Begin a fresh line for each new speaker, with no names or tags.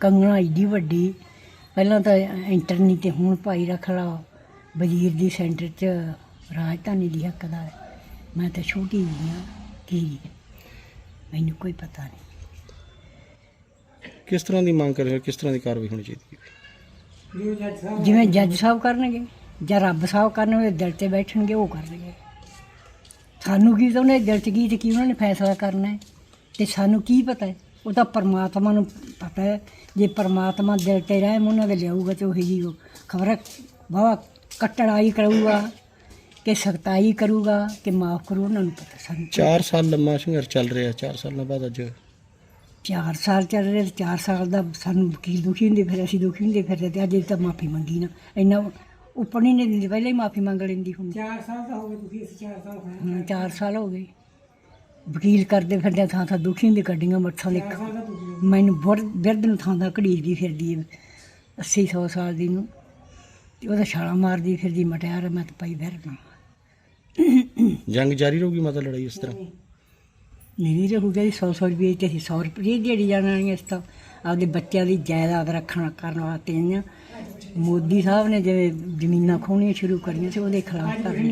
ਕੰਗਣਾ ਏਡੀ ਵੱਡੀ ਪਹਿਲਾਂ ਤਾਂ ਐਂਟਰ ਨਹੀਂ ਤੇ ਹੁਣ ਭਾਈ ਰੱਖ ਲਾ ਵਜ਼ੀਰ ਦੀ ਸੈਂਟਰ 'ਚ ਰਾਜਧਾਨੀ ਦੀ ਹੱਕਦਾਰ। ਮੈਂ ਤਾਂ ਛੋਟੀ ਜਿਹੀ ਹਾਂ ਕੀ ਮੈਨੂੰ ਕੋਈ ਪਤਾ ਨਹੀਂ।
ਕਿਸ ਤਰ੍ਹਾਂ ਦੀ ਮੰਗ ਕਰ ਰਹੇ ਹੋ, ਕਿਸ ਤਰ੍ਹਾਂ ਦੀ ਕਾਰਵਾਈ ਹੋਣੀ ਚਾਹੀਦੀ ਹੈ?
ਜਿਵੇਂ ਜੱਜ ਸਾਹਿਬ ਕਰਨਗੇ ਜਾਂ ਰੱਬ ਸਾਹਿਬ ਕਰਨਗੇ, ਦਿਲ 'ਤੇ ਬੈਠਣਗੇ ਉਹ ਕਰਨਗੇ। ਸਾਨੂੰ ਕੀ ਤਾਂ ਉਹਨੇ ਦਿਲ 'ਚ ਕੀ ਤੇ ਕੀ ਉਹਨਾਂ ਨੇ ਫੈਸਲਾ ਕਰਨਾ ਹੈ ਅਤੇ ਸਾਨੂੰ ਕੀ ਪਤਾ ਹੈ? ਉਹ ਤਾਂ ਪਰਮਾਤਮਾ ਨੂੰ ਪਤਾ ਹੈ। ਜੇ ਪਰਮਾਤਮਾ ਦਿਲ 'ਤੇ ਰਹਿਮ ਉਹਨਾਂ ਦੇ ਲਿਆਊਗਾ ਤਾਂ ਉਹੀ ਜੀ ਉਹ ਖਬਰ ਵਾਹਵਾ ਕਟੜਾਈ ਕਰੂਗਾ ਕਿ ਸਖਤਾਈ ਕਰੂਗਾ ਕਿ ਮਾਫ਼ ਕਰੂ, ਉਹਨਾਂ ਨੂੰ ਪਤਾ। ਸਾਨੂੰ
4 ਸਾਲ ਲੰਮਾ ਸੰਘਰਸ਼ ਚੱਲ ਰਿਹਾ, 4 ਸਾਲਾਂ ਬਾਅਦ ਅੱਜ
4 ਸਾਲ ਚੱਲ ਰਹੇ, 4 ਸਾਲ ਦਾ ਸਾਨੂੰ ਵਕੀਲ ਦੁਖੀ ਹੁੰਦੇ ਫਿਰ, ਅਸੀਂ ਦੁਖੀ ਹੁੰਦੇ ਫਿਰ, ਅਤੇ ਅੱਜ ਤਾਂ ਮਾਫ਼ੀ ਮੰਗੀ ਨਾ ਇੰਨਾ ਉੱਪਰ ਨਹੀਂ ਦਿੰਦੀ, ਪਹਿਲਾਂ ਹੀ ਮਾਫ਼ੀ ਮੰਗ ਲੈਂਦੀ ਹੁਣ। 4 ਸਾਲ ਤਾਂ ਹੋ ਗਏ ਤੁਸੀਂ, 4 ਸਾਲ ਹੋ ਗਏ ਵਕੀਲ ਕਰਦੇ ਫਿਰਦੇ, ਥਾਂ ਥਾਂ ਦੁਖੀ ਹੁੰਦੇ, ਗੱਡੀਆਂ ਮੱਠਾਂ ਦੇ ਮੈਨੂੰ ਬਿਰਧ ਨੂੰ ਥਾਂ ਥਾਂ ਘੜੀਸਦੀ ਫਿਰਦੀ ਹੈ 80-100 ਸਾਲ ਦੀ ਨੂੰ, ਅਤੇ ਉਹਦਾ ਛਾਲਾਂ ਮਾਰਦੀ ਫਿਰਦੀ ਮਟਿਆਰ। ਮੈਂ ਤਾਂ ਪਾਈ ਫਿਰਦਾ।
ਜੰਗ ਜਾਰੀ ਰਹੂਗੀ ਮਾਤਾ, ਲੜਾਈ ਇਸ ਤਰ੍ਹਾਂ
ਨਹੀਂ ਰਹੂਗਾ ਜੀ। 100 ਰੁਪਏ ਤੇ ਅਸੀਂ 100 ਰੁਪਏ ਦਿਹਾੜੀ ਜਾਣ ਵਾਲੀਆਂ। ਇਸ ਤਾਂ ਆਪਦੇ ਬੱਚਿਆਂ ਦੀ ਜਾਇਦਾਦ ਕਰਨ ਵਾਸਤੇ ਆਈਆਂ। ਮੋਦੀ ਸਾਹਿਬ ਨੇ ਜਿਵੇਂ ਜ਼ਮੀਨਾਂ ਖੋਹਣੀਆਂ ਸ਼ੁਰੂ ਕਰੀਆਂ ਸੀ, ਉਹਦੇ ਖਿਲਾਫ ਕਰਨ